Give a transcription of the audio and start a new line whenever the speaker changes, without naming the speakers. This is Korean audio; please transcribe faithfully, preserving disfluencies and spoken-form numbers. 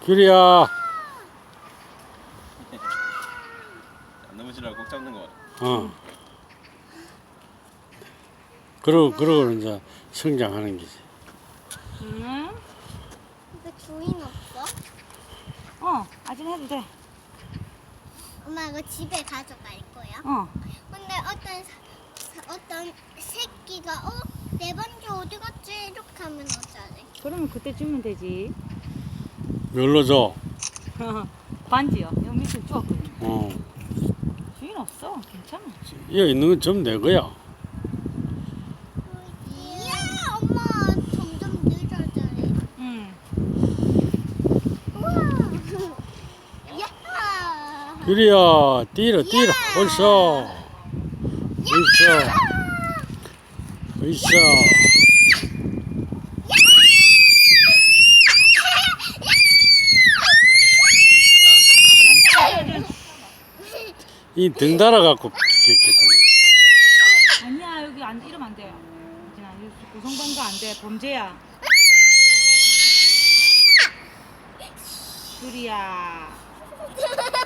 규리야.
안 넘어지려고 꼭 잡는 거 같아.
어. 그러고 그러고 이제 성장하는 거지.
응?
근데 주인 없어?
어, 아직 해도 돼.
엄마 이거 집에 가져갈 거야?
어.
근데 어떤 사- 어떤 새끼가 어? 내 반지 어디 갔지? 이렇게 하면 어쩌지?
그러면 그때 주면 되지.
뭘로 줘?
반지요. 여기 밑에 주웠거든.
어.
주인 없어. 괜찮아.
여기 있는 건 좀 내 거야.
이야 엄마 점점 늦어져요.
응.
우와. 야.
규리야, 뛰라, 뛰라. 옳소. 옳소. 옳소. 이 등 달아갖고
아니야, 여기 안, 이러면 안 돼. 진아, 여기 고성방가 안 돼. 범죄야. 규리야.